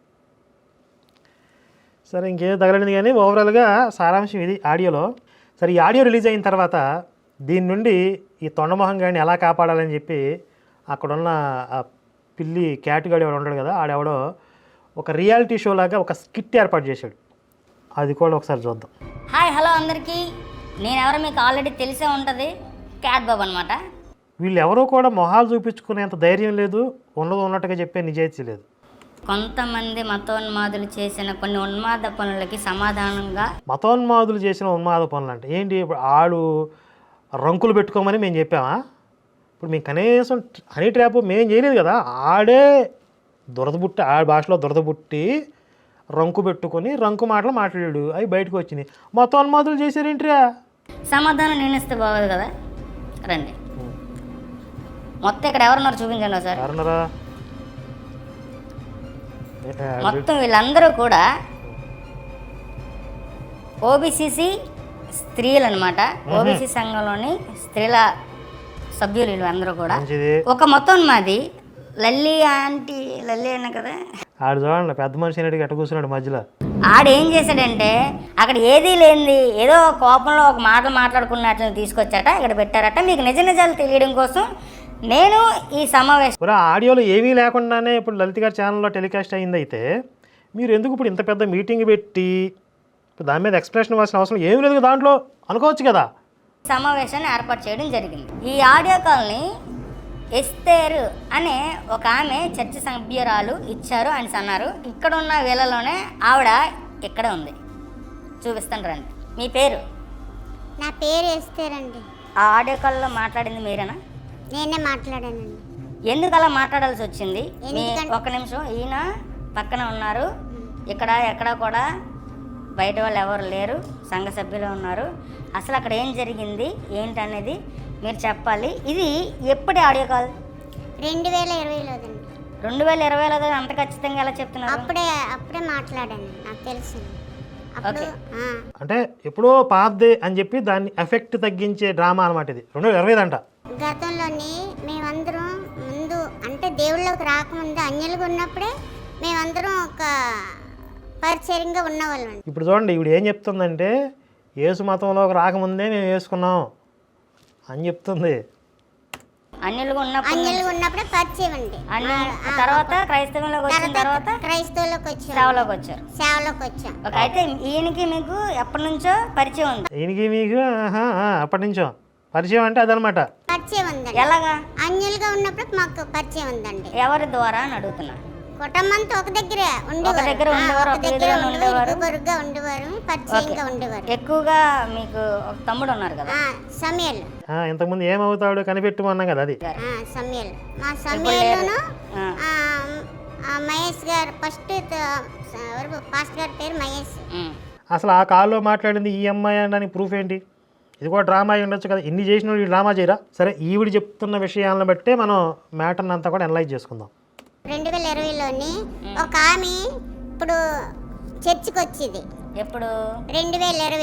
Speaker 1: సరే ఇంకేం తగలనిది కానీ ఓవరాల్గా సారాంశం ఇది ఆడియోలో. సరే ఈ ఆడియో రిలీజ్ అయిన తర్వాత దీని నుండి ఈ తొండమొహం గాడిని ఎలా కాపాడాలని చెప్పి అక్కడున్న ఆ పిల్లి క్యాటుగాడు ఎవడు ఉంటాడు కదా, ఆడెవడో ఒక రియాలిటీ షో లాగా ఒక స్కిట్ ఏర్పాటు చేశాడు. అది కూడా ఒకసారి చూద్దాం.
Speaker 2: హాయ్ హలో అందరికీ, నేనెవరో మీకు ఆల్రెడీ తెలిసే ఉంటుంది. క్యాట్ బాబు అనమాట.
Speaker 1: వీళ్ళు ఎవరో కూడా మొహాలు చూపించుకునేంత ధైర్యం లేదు, ఉన్నది ఉన్నట్టుగా చెప్పే నిజాయితీ లేదు.
Speaker 2: కొంతమంది మతోన్మాదులు చేసిన కొన్ని ఉన్మాద పనులకి సమాధానంగా
Speaker 1: మతోన్మాదులు చేసిన ఉన్మాద పనులు అంటే ఏంటి? ఇప్పుడు ఆడు రంకులు పెట్టుకోమని మేము చెప్పామా? ఇప్పుడు మేము కనీసం హనీ ట్రాప్ మేము చేయలేదు కదా, ఆడే దురదబుట్టి, ఆ భాషలో దురదబుట్టి రంకు పెట్టుకొని రంకు మాటలు మాట్లాడాడు, అవి బయటకు వచ్చినాయి. మతోన్మాదులు చేశారేంట్రా?
Speaker 2: సమాధానం నేను ఇస్తే బాగోదు కదా. రండి, మొత్తం ఇక్కడ ఎవరున్నారు చూపించండి ఒకసారి.
Speaker 1: ఎవరన్నారా?
Speaker 2: మొత్తం వీళ్ళందరూ కూడా ఓబీసీసీ స్త్రీలు అనమాట. ఓబీసీ సంఘంలోని స్త్రీల సభ్యులు వీళ్ళందరూ కూడా.
Speaker 1: మంచిది.
Speaker 2: ఒక మొత్తం మాది లల్లి ఆంటీ, లల్లి అన్న కదా,
Speaker 1: ఆడు చూడండి పెద్ద మనిషి అనేటికి ఎట్ట కూర్చున్నాడు మధ్యలో.
Speaker 2: ఆడేం చేశాడంటే అక్కడ ఏదీ లేనిది ఏదో కోపంలో ఒక మాటలు మాట్లాడుకున్నట్లు తీసుకొచ్చాట, ఇక్కడ పెట్టారట. మీకు నిజ నిజాలు తెలియడం కోసం నేను ఈ సమావేశం.
Speaker 1: ఇప్పుడు ఆడియోలో ఏమీ లేకుండానే ఇప్పుడు లలిత గారి ఛానల్లో టెలికాస్ట్ అయింది. అయితే మీరు ఎందుకు ఇప్పుడు ఇంత పెద్ద మీటింగ్ పెట్టి ఇప్పుడు దాని మీద ఎక్స్ప్రెషన్ ఇవ్వాల్సిన అవసరం ఏమీ లేదు కదా దాంట్లో అనుకోవచ్చు కదా.
Speaker 2: సమావేశాన్ని ఏర్పాటు చేయడం జరిగింది. ఈ ఆడియో కాల్ని ఎస్తేరు అనే ఒక ఆమె చర్చ సభ్యురాలు ఇచ్చారు అని అన్నారు. ఇక్కడ ఉన్న వేళలోనే ఆవిడ ఇక్కడ ఉంది, చూపిస్తాను రండి. మీ పేరు?
Speaker 6: నా పేరు ఎస్తేరండి.
Speaker 2: ఆ ఆడియో కాల్లో మాట్లాడింది మీరేనా?
Speaker 6: నేనే మాట్లాడానండి.
Speaker 2: ఎందుకు అలా మాట్లాడాల్సి వచ్చింది? మీ
Speaker 6: ఎందుకంటే-
Speaker 2: ఒక్క నిమిషం, ఈయన పక్కన ఉన్నారు, ఇక్కడ ఎక్కడ కూడా బయట వాళ్ళు ఎవరు లేరు, సంఘ సభ్యులు ఉన్నారు. అసలు అక్కడ ఏం జరిగింది ఏంటనేది మీరు చెప్పాలి. ఇది ఎప్పటి ఆడియో కాల్?
Speaker 6: రెండు వేల ఇరవైలోదండి.
Speaker 2: రెండు వేల ఇరవైలో అంత ఖచ్చితంగా ఎలా చెప్తున్నారు?
Speaker 6: అప్పుడే అప్పుడే మాట్లాడాను, నాకు తెలుసు. అప్పుడు
Speaker 2: ఓకే.
Speaker 6: ఆ,
Speaker 1: అంటే ఎప్పుడో పాతదే అని చెప్పి దాన్ని ఎఫెక్ట్ తగ్గించే డ్రామా అనమాట ఇది. రెండు వేల ఇరవై అంట.
Speaker 6: గతంలోని మేమందరం ముందు అంటే దేవుళ్ళకి రాకముందు అన్యులుగా ఉన్నప్పుడే మేమందరం ఒక పరిచయంగా ఉన్నవాళ్ళం.
Speaker 1: ఇప్పుడు చూడండి ఇప్పుడు ఏం చెప్తుందంటే యేసు మతంలోకి రాకముందే మేము వేసుకున్నాం అని చెప్తుంది.
Speaker 2: అన్యులుగా ఉన్నప్పుడు
Speaker 6: అన్యులుగా ఉన్నప్పుడే పరిచయం అండి.
Speaker 2: అన్య
Speaker 6: ఆ,
Speaker 2: తర్వాత క్రైస్తవంలోకి వచ్చిన తర్వాత
Speaker 6: క్రైస్తవులకు వచ్చాం,
Speaker 2: సేవలోకి వచ్చారు.
Speaker 6: సేవలోకి వచ్చాం.
Speaker 2: ఓకే, అయితే ఈయనకి మీకు ఎప్పటి నుంచో పరిచయం ఉంది.
Speaker 1: ఈయనకి మీకు ఆహా, ఆ, అప్పటి నుంచో పరిచయం అంటే అదనమాట.
Speaker 6: పరిచయం ఉందండి.
Speaker 2: ఎలాగా?
Speaker 6: అన్యులుగా ఉన్నప్పుడు మాకు పరిచయం ఉందండి.
Speaker 2: ఎవరి ద్వారా అని అడుగుతున్నా.
Speaker 6: కుటుంబంతో ఒక దగ్గరే ఉండేవారు.
Speaker 2: ఒక దగ్గర
Speaker 6: ఆ,
Speaker 2: ఉండేవారు,
Speaker 6: ఒక
Speaker 2: ఒక
Speaker 6: దగ్గర
Speaker 2: దగ్గర
Speaker 6: ఉండేవారు,
Speaker 2: ఉండేవారు.
Speaker 6: ఇరుగుపొరుగుగా ఉండేవారు, పరిచయంగా ఉండేవారు.
Speaker 2: ఎక్కువగా మీకు ఒక తమ్ముడు ఉన్నారు కదా.
Speaker 6: ఆ, సమయల్
Speaker 1: ఆ, ఇంతకుముందు ఏమవుతాడు కనిపెట్టుమన్నాం కదా అది.
Speaker 6: ఆ, సమయల్ మా సమయల్లోను
Speaker 2: ఆ.
Speaker 6: ఆ, ఆ, మహేష్ గారు ఫస్ట్ ఎవరు పాస్టర్ గారి పేరు మహేష్.
Speaker 2: ఉమ్.
Speaker 1: అసలు ఆ కాల్లో మాట్లాడింది ఈ అమ్మాయి అనడానికి ప్రూఫ్ ఏంటి? ఇది కూడా డ్రామా అయి ఉండొచ్చు కదా. ఇన్ని చేసిన వాళ్ళు ఈ డ్రామా చేయరా? సరే ఈవిడ చెప్తున్న విషయాలను బట్టే మనం మ్యాటర్ని అంతా కూడా అనలైజ్ చేసుకుందాం.
Speaker 6: రెండు వేల ఇరవైలోని ఒక ఆమె ఇప్పుడు చర్చికి వచ్చింది.
Speaker 2: ఎప్పుడు?
Speaker 6: రెండు వేల ఇరవైలో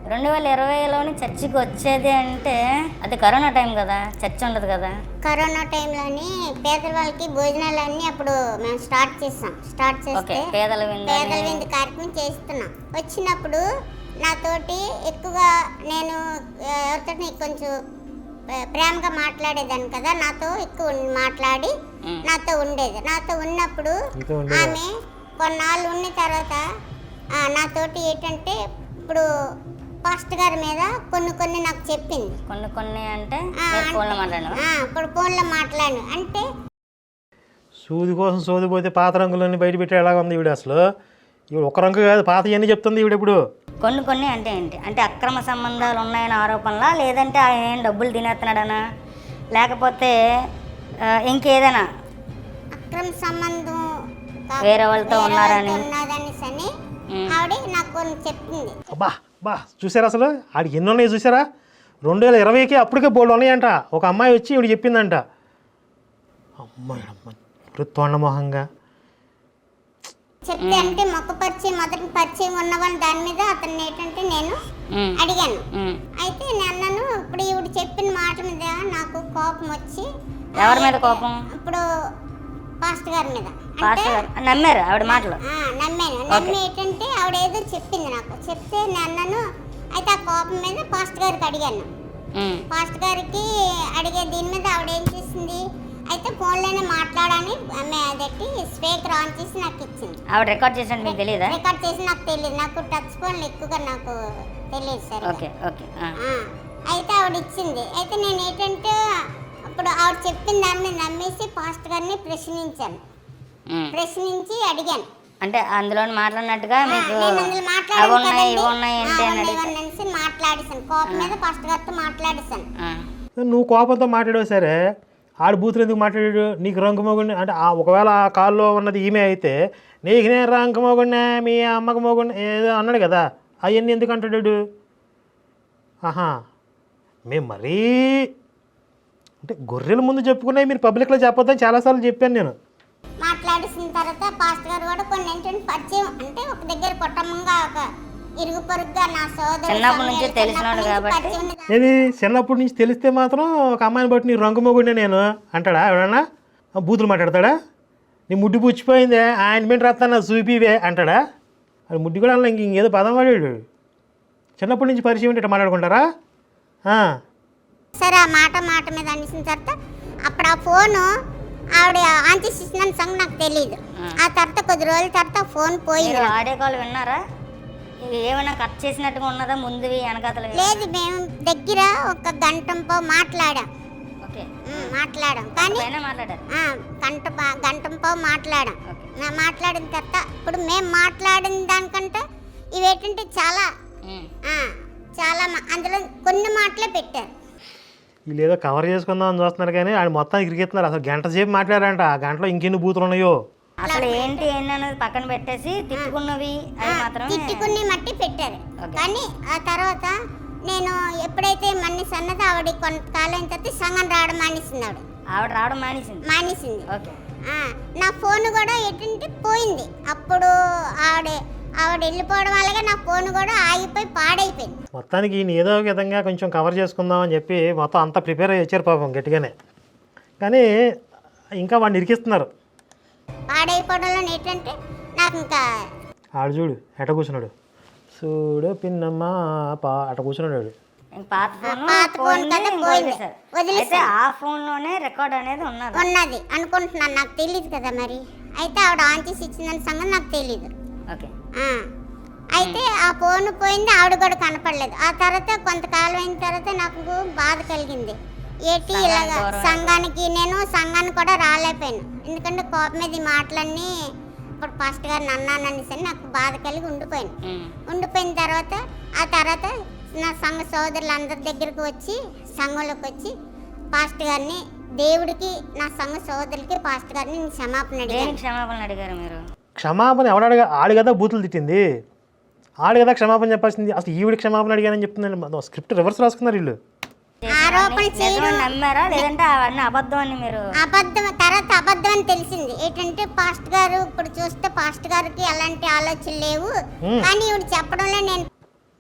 Speaker 2: రెండు వేల ఇరవైలోని చర్చికి వచ్చేది అంటే అది కరోనా టైం కదా, చర్చ్ ఉండదు కదా.
Speaker 6: కరోనా టైంలోని పేదల వాళ్ళకి భోజనాలన్నీ అప్పుడు మేము స్టార్ట్ చేస్తాం. స్టార్ట్ చేస్తే
Speaker 2: ఓకే, పేదల విందు
Speaker 6: పేదల విందు కార్యక్రమం చేస్తున్నాం. వచ్చినప్పుడు నాతోటి ఎక్కువగా నేను ఎవరితో కొంచెం ప్రేమగా మాట్లాడేదాన్ని కదా, నాతో ఎక్కువ మాట్లాడి నాతో ఉండేది. నాతో ఉన్నప్పుడు ఆమె కొన్నాళ్ళు ఉన్న తర్వాత నాతోటి ఏంటంటే ఇప్పుడు పాస్టర్ గారి మీద కొన్ని కొన్ని నాకు చెప్పింది.
Speaker 2: కొన్ని కొన్ని అంటే ఫోన్లో మాట్లాడు
Speaker 6: ఇప్పుడు ఫోన్లో మాట్లాడు అంటే
Speaker 1: సూది కోసం సోది పోతే పాత రంగులన్నీ బయట పెట్టే ఎలాగ ఉంది ఈవిడ. అసలు ఈవిడ ఒక రంగు కాదు, పాత ఇవన్నీ చెప్తుంది ఈవిడ. ఇప్పుడు
Speaker 2: కొన్ని కొన్ని అంటే ఏంటి అంటే అక్రమ సంబంధాలు ఉన్నాయని ఆరోపణలా, లేదంటే ఆయన డబ్బులు తినేస్తున్నాడనా, లేకపోతే ఇంకేదైనా
Speaker 6: అక్రమ సంబంధం
Speaker 2: వేరే వాళ్ళతో ఉన్నారని
Speaker 6: ఉన్నదనేసి ఆవిడ నాకు కొన్ని చెప్పింది.
Speaker 1: అబ్బా బా చూసారా అసలు ఆడికి ఎన్ని ఉన్నాయి చూసారా. రెండు వేల ఇరవైకి అప్పటికే బోల్డ్ ఉన్నాయంట. ఒక అమ్మాయి వచ్చి ఈవిడ చెప్పిందంట. అమ్మాయి అమ్మాయి తొండమోహంగా
Speaker 6: చెప్తే అంటే మొక్క పరిచయం మొదటి పరిచయం ఉన్నవాళ్ళు దాని మీద అతన్ని ఏంటంటే నేను అడిగాను. అయితే నేను ఇప్పుడు ఈవిడ చెప్పిన మాట మీద నాకు కోపం వచ్చి.
Speaker 2: ఎవరి మీద కోపం?
Speaker 6: ఇప్పుడు పాస్టర్ గారి మీద.
Speaker 2: నమ్మారు ఆవిడ మాటలు?
Speaker 6: నమ్మాను. నమ్మి ఏంటంటే ఆవిడ ఏదో చెప్పింది నాకు. చెప్తే నేను అయితే ఆ కోపం మీద పాస్టర్ గారికి అడిగాను. పాస్టర్ గారికి అడిగే దీని మీద ఆవిడ ఏం చేసింది అయితే ఫోన్లోనే మాట్లాడని ఆమె అదట్టి స్పీకర్ ఆన్ చేసి నాకు ఇచ్చింది.
Speaker 2: ఆవిడ రికార్డ్ చేసి మీకు తెలియదా?
Speaker 6: రికార్డ్ చేసి నాకు తెలియదు. నాకు టచ్ ఫోన్లు ఎక్కువగా నాకు తెలియదు సార్.
Speaker 2: Okay okay.
Speaker 6: అయితే ఆవిడ ఇచ్చింది. అయితే నేను ఏంటంటే అప్పుడు ఆవిడ చెప్పిన దాన్ని నమ్మేసి పాస్టర్ గారిని ప్రశ్నించాను. ప్రశ్నించి అడిగాను.
Speaker 2: అంటే అందులో మాట్లాడినట్టుగా మీకు
Speaker 6: మాట్లాడేసాను. కోపం మీద పాస్టర్ గారితో మాట్లాడేసాను.
Speaker 1: నువ్వు కోపంతో మాట్లాడావు సరే, ఆడు బూతులు ఎందుకు మాట్లాడాడు? నీకు రంగుమోగుండి అంటే ఒకవేళ ఆ కాల్లో ఉన్నది ఈమె అయితే నీకు నేను రంగుమోగుండే మీ అమ్మకు మోగుండే ఏదో అన్నాడు కదా, అవన్నీ ఎందుకు అంటాడు? ఆహా, మేము మరీ అంటే గొర్రెల ముందు చెప్పుకున్నాయి మీరు పబ్లిక్లో చెప్పొద్దని చాలాసార్లు చెప్పాను నేను.
Speaker 6: మాట్లాడేసిన తర్వాత పాస్టర్ గారు కూడా కొన్ని ఏంటంటే పరిచయం అంటే ఒక దగ్గర కుటుంబంగా ఒక ఇరుగు పొరుగుగా నా సోదరు
Speaker 2: చిన్నప్పటి నుంచి తెలిసినాడు కాబట్టి
Speaker 1: ఏది చిన్నప్పటి నుంచి తెలిస్తే మాత్రం ఒక అమ్మాయిని బట్టి నీ రంగు మొగుండే నేను అంటాడా ఎవడన్నా? బూతులు మాట్లాడతాడా? నీ ముడ్డి పుచ్చిపోయిందే ఆయన మీద రాస్తాను చూపివే అంటాడా? అది ముడ్డి కూడా ఇంక ఇంకేదో పదం వాడాడు. చిన్నప్పటి నుంచి పరిచయం ఉంటే మాట్లాడుకుంటారా?
Speaker 6: సరే ఆ మాట మాట మీద అనేసిన తర్వాత అప్పుడు ఆ ఫోను ఆవిడ ఆన్ చేసి ఇచ్చిన సంగతి నాకు తెలియదు. ఆ తర్వాత కొద్ది రోజుల తర్వాత ఫోన్ పోయింది.
Speaker 2: ఆడియో కాల్ విన్నారా? ఏమైనా కట్ చేసినట్టుగా ఉన్నదా ముందువి వెనకాతలు?
Speaker 6: లేదు, మేము దగ్గర ఒక గంట మాట్లాడాం.
Speaker 2: ఓకే
Speaker 6: మాట్లాడాం కానీ
Speaker 2: మాట్లాడారు
Speaker 6: గంట గంట మాట్లాడాం. మాట్లాడిన తర్వాత ఇప్పుడు మేము మాట్లాడిన దానికంటే ఇవేంటంటే చాలా చాలా అందులో కొన్ని మాటలే పెట్టారు.
Speaker 1: వీళ్ళు ఏదో కవర్ చేసుకుందాం అని చూస్తున్నారు కానీ ఆయన మొత్తం ఇరిగిస్తున్నారు. అసలు గంట సేపు మాట్లాడారంట. ఆ గంటలో ఇంకెన్ని బూతులు ఉన్నాయో
Speaker 2: అసలు ఏంటి ఏంటనేది పక్కన పెట్టేసి తిట్టుకున్నవి మాత్రం
Speaker 6: తిట్టుకుని మట్టి పెట్టారు. కానీ ఆ తర్వాత నేను ఎప్పుడైతే మనిషి అన్నది ఆవిడ కొంతకాలం తర్వాత సంఘం రావడం మానేసింది. ఆవిడ
Speaker 2: ఆవిడ రావడం మానేసింది
Speaker 6: మానేసింది
Speaker 2: ఓకే.
Speaker 6: నా ఫోన్ కూడా ఏంటంటే పోయింది. అప్పుడు ఆవిడ ఆవిడ వెళ్ళిపోవడం వల్లగా నా ఫోన్ కూడా ఆగిపోయి పాడైపోయింది.
Speaker 1: మొత్తానికి ఈయన ఏదో ఒక విధంగా కొంచెం కవర్ చేసుకుందాం అని చెప్పి మొత్తం అంతా ప్రిపేర్ అయ్యి వచ్చారు పాపం గట్టిగానే. కానీ ఇంకా వాడిని ఇరికిస్తున్నారు.
Speaker 6: పాడైపోవడంలో ఏంటంటే నాకు ఇంకా
Speaker 1: ఆడు చూడు ఎట కూర్చున్నాడు, చూడు పిన్నమ్మ పా అట కూర్చున్నాడు.
Speaker 2: పాత ఫోన్ వదిలేస్తే ఆ ఫోన్ లోనే రికార్డ్ అనేది ఉన్నది
Speaker 6: ఉన్నది అనుకుంటున్నాను. నాకు తెలియదు కదా మరి. అయితే ఆవిడ ఆన్ చేసి ఇచ్చిందని సంగతి నాకు తెలియదు.
Speaker 2: ఓకే.
Speaker 6: అయితే ఆ ఫోన్ పోయింది, ఆవిడ కూడా కనపడలేదు. ఆ తర్వాత కొంతకాలం అయిన తర్వాత నాకు బాధ కలిగింది. ఏంటి ఇలాగా సంఘానికి నేను సంఘానికి కూడా రాలేకపోయాను. ఎందుకంటే కోపం మీద మాటలన్నీ ఇప్పుడు పాస్టర్ గారిని అన్నాననేసి నాకు బాధ కలిగి ఉండిపోయాను. ఉండిపోయిన తర్వాత ఆ తర్వాత నా సంఘ సోదరులందరి దగ్గరికి వచ్చి సంఘంలోకి వచ్చి పాస్టర్ గారిని దేవుడికి నా సంఘ సోదరులకి పాస్టర్ గారిని నేను క్షమాపణ అడిగాను.
Speaker 2: క్షమాపణ అడిగారు మీరు?
Speaker 1: క్షమాపణ ఎవడగా ఆడు కదా బూతులు తిట్టింది, ఆడు కదా క్షమాపణ చెప్పాల్సింది. అసలు ఈవిడ క్షమాపణ అడిగానని చెప్తున్నాను. స్క్రిప్ట్ రివర్స్ రాసుకున్నారు వీళ్ళు.
Speaker 6: ఆరోపణ చేయడం
Speaker 2: నమ్మారా లేదంటే అవన్నీ అబద్ధం అని మీరు?
Speaker 6: అబద్ధం. తర్వాత అబద్ధం అని తెలిసింది. ఏంటంటే పాస్టర్ గారు ఇప్పుడు చూస్తే పాస్టర్ గారికి అలాంటి ఆలోచనలు లేవు. కానీ ఇవి చెప్పడంలో నేను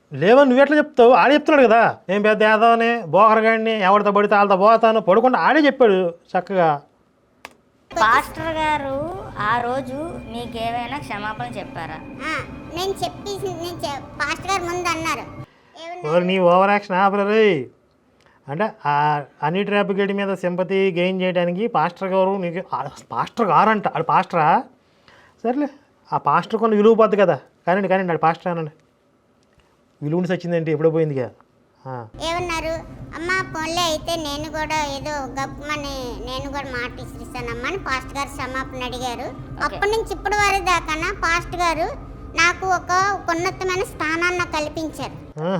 Speaker 1: లేవని నువ్వు ఎట్లా చెప్తావు? ఆడే చెప్తున్నాడు కదా, నేను పెద్ద ఏదోని బోకరగాడిని, ఎవరితో పడితే వాళ్ళతో పోతాను పడుకుంటా ఆడే చెప్పాడు చక్కగా.
Speaker 2: పాస్టర్ గారు ఆ రోజు మీకేమైనా క్షమాపణ చెప్పారా?
Speaker 6: ఆ, నేను చెప్పి నేను చె- పాస్టర్ గారు ముందు అన్నారు ఏమన్నా
Speaker 1: ఓరి నీ ఓవర్ యాక్షన్ ఆపరే. అంటే ఆ హనీ ట్రాప్ గడి మీద సింపతి గెయిన్ చేయడానికి పాస్టర్ గారు నీకు ఆ పాస్టర్ గారంట, ఆడు పాస్టరా? సర్లే, ఆ పాస్టర్ కొన్ని విలువ పోద్ది కదా. కానండి కానీ ఆడు పాస్టర్ అనండి, విలువని వచ్చిందంటే ఎప్పుడో పోయింది కదా.
Speaker 6: ఏమన్నారు అమ్మ పోన్లే అయితే నేను కూడా ఏదో గప్పమని నేను కూడా మాట ఇస్తానమ్మా అని పాస్టర్ గారు క్షమాపణ అడిగారు. అప్పటి నుంచి ఇప్పటి వరకు దాకా పాస్టర్ గారు నాకు ఒక ఉన్నతమైన స్థానాన్ని నాకు కల్పించారు.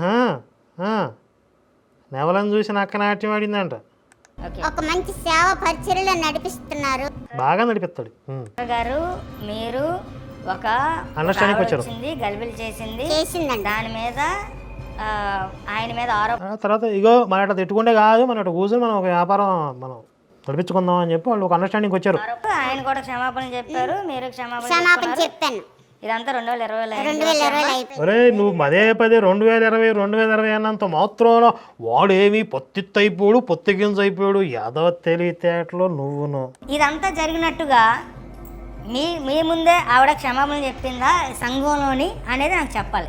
Speaker 1: నెవలను చూసి నక్క నాట్యం ఆడిందంట.
Speaker 2: ఓకే
Speaker 6: ఒక మంచి సేవ పరిచర్యలో నడిపిస్తున్నారు.
Speaker 1: బాగా నడిపిస్తాడు.
Speaker 2: పాస్టర్ గారు మీరు ఒక
Speaker 1: Understanding
Speaker 2: ఆవిడ
Speaker 1: వచ్చారు.
Speaker 2: వచ్చింది గలిబిలి చేసింది,
Speaker 6: చేసిందండి.
Speaker 2: దాని మీద ఆ, ఆయన మీద ఆరోపణ
Speaker 1: ఆ తర్వాత ఇగో మన అట్లా తిట్టుకుంటే కాదు, మన అట్లా కూర్చొని మనం ఒక వ్యాపారం మనం నడిపించుకుందాం అని చెప్పి వాళ్ళు ఒక అండర్స్టాండింగ్ వచ్చారు.
Speaker 2: ఆయన కూడా క్షమాపణ చెప్పారు, మీరు క్షమాపణ
Speaker 6: క్షమాపణ
Speaker 2: చెప్పుకున్నారు.
Speaker 6: చెప్పాను.
Speaker 2: ఇదంతా రెండు వేల ఇరవై
Speaker 6: రెండు వేల ఇరవైలో అయిపోయింది.
Speaker 1: ఒరే నువ్వు పదే పదే రెండు వేల ఇరవై రెండు వేల ఇరవై అన్నంత మాత్రం వాడేమి పొత్తిత్తు అయిపోయాడు, పొత్తి గింజ అయిపోయాడు, ఏదో తెలివితేటలో నువ్వును.
Speaker 2: ఇదంతా జరిగినట్టుగా మీ మీ ముందే ఆవిడ క్షమాపణ చెప్పిందా సంఘంలోని అనేది నాకు చెప్పాలి.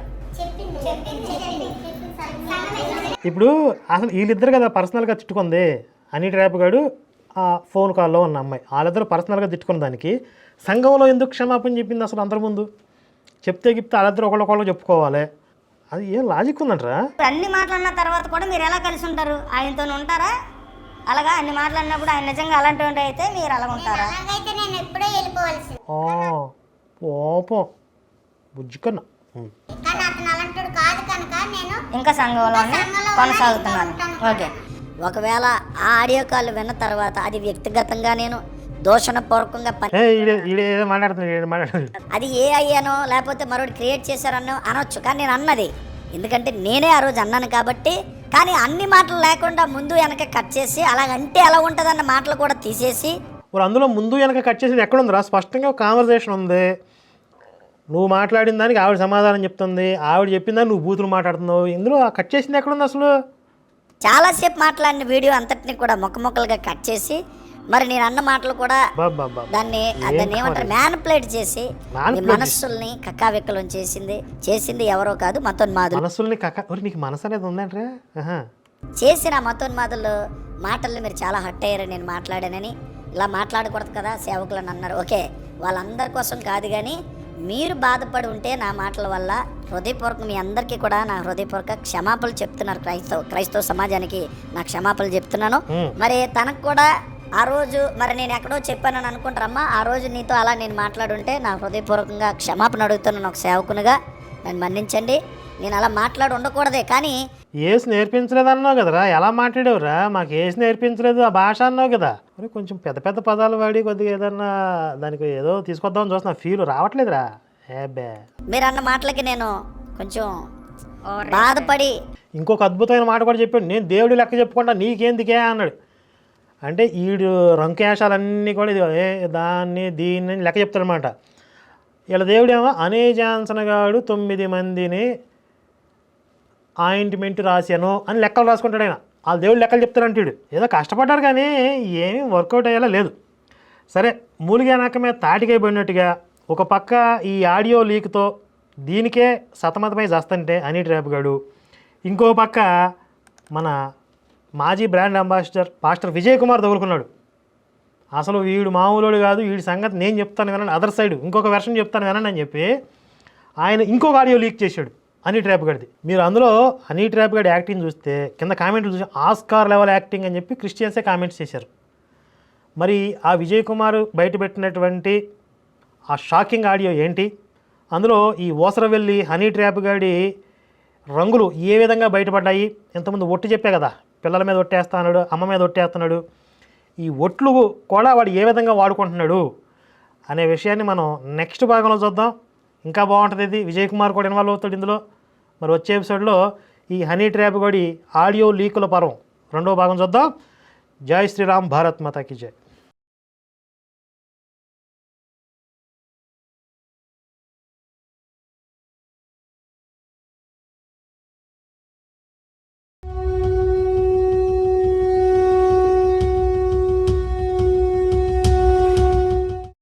Speaker 1: ఇప్పుడు అసలు వీళ్ళిద్దరు కదా పర్సనల్గా తిట్టుకుంది, హనీ ట్రాప్ గాడు ఆ ఫోన్ కాల్లో ఉన్న అమ్మాయి, వాళ్ళిద్దరు పర్సనల్గా తిట్టుకున్న దానికి సంఘంలో ఎందుకు క్షమాపణ చెప్పింది అసలు అందరి ముందు? చెప్తే గిప్తే వాళ్ళిద్దరు ఒకళ్ళొకళ్ళు చెప్పుకోవాలి, అది ఏం లాజిక్ ఉందంటరా?
Speaker 2: ఇప్పుడు అన్ని మాట్లాడిన తర్వాత కూడా మీరు ఎలా కలిసి ఉంటారు? ఆయనతో ఉంటారా? అలాగా అన్ని మాట్లాడినప్పుడు ఆయన నిజంగా అలాంటి అయితే మీరు అలా ఉంటారా?
Speaker 6: అలాగైతే నేను ఎప్పుడో వెళ్ళిపోవాల్సింది.
Speaker 1: పాపం బుజ్జి కన్నా.
Speaker 6: కానీ అతను అలాంటి కాదు కనుక నేను
Speaker 2: ఇంకా సంఘంలోనే
Speaker 6: సంఘంలో
Speaker 2: కొనసాగుతున్నారు.
Speaker 6: ఉంటాను.
Speaker 2: ఓకే, ఒకవేళ ఆ ఆడియో కాల్ విన్న తర్వాత అది వ్యక్తిగతంగా నేను దోషణపూర్వకంగా పని
Speaker 1: ఏ ఈడే ఈడే ఏదో మాట్లాడుతున్నాడు, ఈడే మాట్లాడుతున్నాడు.
Speaker 2: అది ఏ అయ్యానో లేకపోతే మరొకటి క్రియేట్ చేశారనో అనొచ్చు, కానీ నేను అన్నది ఎందుకంటే నేనే ఆ రోజు అన్నాను కాబట్టి. కానీ అన్ని మాటలు లేకుండా ముందు వెనక కట్ చేసి అలాగంటే ఎలా ఉంటుందన్న మాటలు కూడా తీసేసి
Speaker 1: మరి అందులో ముందు వెనక కట్ చేసేది ఎక్కడ ఉందిరా? స్పష్టంగా కాన్వర్సేషన్ ఉంది, నువ్వు మాట్లాడిన దానికి ఆవిడ సమాధానం చెప్తుంది, ఆవిడ చెప్పిన దాన్ని నువ్వు బూతులు మాట్లాడుతున్నావు, ఇందులో ఆ కట్ చేసింది ఎక్కడ ఉంది అసలు?
Speaker 2: చాలాసేపు మాట్లాడిన వీడియో అంతటిని కూడా మొక్క మొక్కలుగా కట్ చేసి మరి నేను అన్న మాటలు కూడా
Speaker 1: బాబా
Speaker 2: దాన్ని దాన్ని ఏమంటారు మ్యానిపులేట్ చేసి
Speaker 1: Manipulate
Speaker 2: మీ మనస్సుల్ని కక్కావిక్కలం చేసింది చేసింది ఎవరో కాదు మతోన్మాదులు.
Speaker 1: మనసుల్ని కక్క ఒరి నీకు మనసు అనేది ఉందంటే
Speaker 2: చేసిన మతోన్మాదులు మాటల్ని మీరు చాలా హట్ అయ్యారని నేను మాట్లాడానని ఇలా మాట్లాడకూడదు కదా సేవకులను అన్నారు. ఓకే, వాళ్ళందరి కోసం కాదు, కానీ మీరు బాధపడి ఉంటే నా మాటల వల్ల హృదయపూర్వక మీ అందరికీ కూడా నా హృదయపూర్వక క్షమాపణలు చెప్తున్నారు. క్రైస్తవ క్రైస్తవ సమాజానికి నా క్షమాపణలు చెప్తున్నాను. మరి తనకు కూడా ఆ రోజు మరి నేను ఎక్కడో చెప్పానని అనుకుంటారమ్మా, ఆ రోజు నీతో అలా నేను మాట్లాడుంటే నా హృదయపూర్వకంగా క్షమాపణ అడుగుతున్నాను ఒక సేవకునిగా, నన్ను మన్నించండి. నేను అలా మాట్లాడి ఉండకూడదే, కానీ
Speaker 1: ఏసి నేర్పించలేదు అన్నావు కదరా, ఎలా మాట్లాడేవురా? మాకు ఏసి నేర్పించలేదు ఆ భాష అన్నావు కదా. మరి కొంచెం పెద్ద పెద్ద పదాలు వాడి కొద్దిగా ఏదన్నా దానికి ఏదో తీసుకొద్దామని చూస్తున్నా, ఫీల్ రావట్లేదురా. ఏబే
Speaker 2: మీరు అన్న మాటలకి నేను కొంచెం బాధపడి
Speaker 1: ఇంకొక అద్భుతమైన మాట కూడా చెప్పాడు, నేను దేవుడి లెక్క చెప్పుకుంటా నీకేందుకే అన్నాడు. అంటే ఈడు రంకేశాలన్నీ కూడా ఇది ఏ దాన్ని దీన్ని లెక్క చెప్తాడనమాట. ఇలా దేవుడేమో అనే జాన్సన్ గాడు తొమ్మిది మందిని ఆయింట్మెంట్ రాశాను అని లెక్కలు రాసుకుంటాడు ఆయన. వాళ్ళ దేవుడు లెక్కలు చెప్తారంటాడు. ఏదో కష్టపడ్డారు కానీ ఏమీ వర్కౌట్ అయ్యేలా లేదు. సరే, మూలిగా నాక మీద తాటికై పడినట్టుగా ఒక పక్క ఈ ఆడియో లీక్తో దీనికే సతమతమై చేస్తుంటే హనీ ట్రాప్ గాడు, ఇంకో పక్క మన మాజీ brand ambassador pastor Vijay Kumar తగులుకున్నాడు. అసలు వీడు మామూలుడు కాదు, వీడి సంగతి నేను చెప్తాను వినండి, అదర్ సైడ్ ఇంకొక వెర్షన్ చెప్తాను వినండి అని చెప్పి ఆయన ఇంకొక ఆడియో లీక్ చేశాడు హనీ ట్రాప్ గడిది. మీరు అందులో హనీ ట్రాప్ గడి యాక్టింగ్ చూస్తే కింద కామెంట్లు చూసి ఆస్కార్ లెవెల్ యాక్టింగ్ అని చెప్పి క్రిస్టియన్సే కామెంట్స్ చేశారు. మరి ఆ విజయ్ కుమార్ బయటపెట్టినటువంటి ఆ షాకింగ్ ఆడియో ఏంటి, అందులో ఈ ఓసరవెల్లి హనీ ట్రాప్ గడి రంగులు ఏ విధంగా బయటపడ్డాయి? ఇంతకుముందు ఒట్టు చెప్పే కదా, పిల్లల మీద ఒట్టేస్తున్నాడు, అమ్మ మీద ఒట్టేస్తున్నాడు, ఈ ఒట్లు కూడా వాడు ఏ విధంగా వాడుకుంటున్నాడు అనే విషయాన్ని మనం నెక్స్ట్ భాగంలో చూద్దాం. ఇంకా బాగుంటుంది ఇది, విజయ్ కుమార్ కూడా ఇన్వాల్వ్ అవుతాడు ఇందులో. మరి వచ్చే ఎపిసోడ్లో ఈ హనీ ట్రాప్ గడి ఆడియో లీకుల పర్వం రెండో భాగం చూద్దాం. జై శ్రీరామ్, భారత్ మాతాకి జై.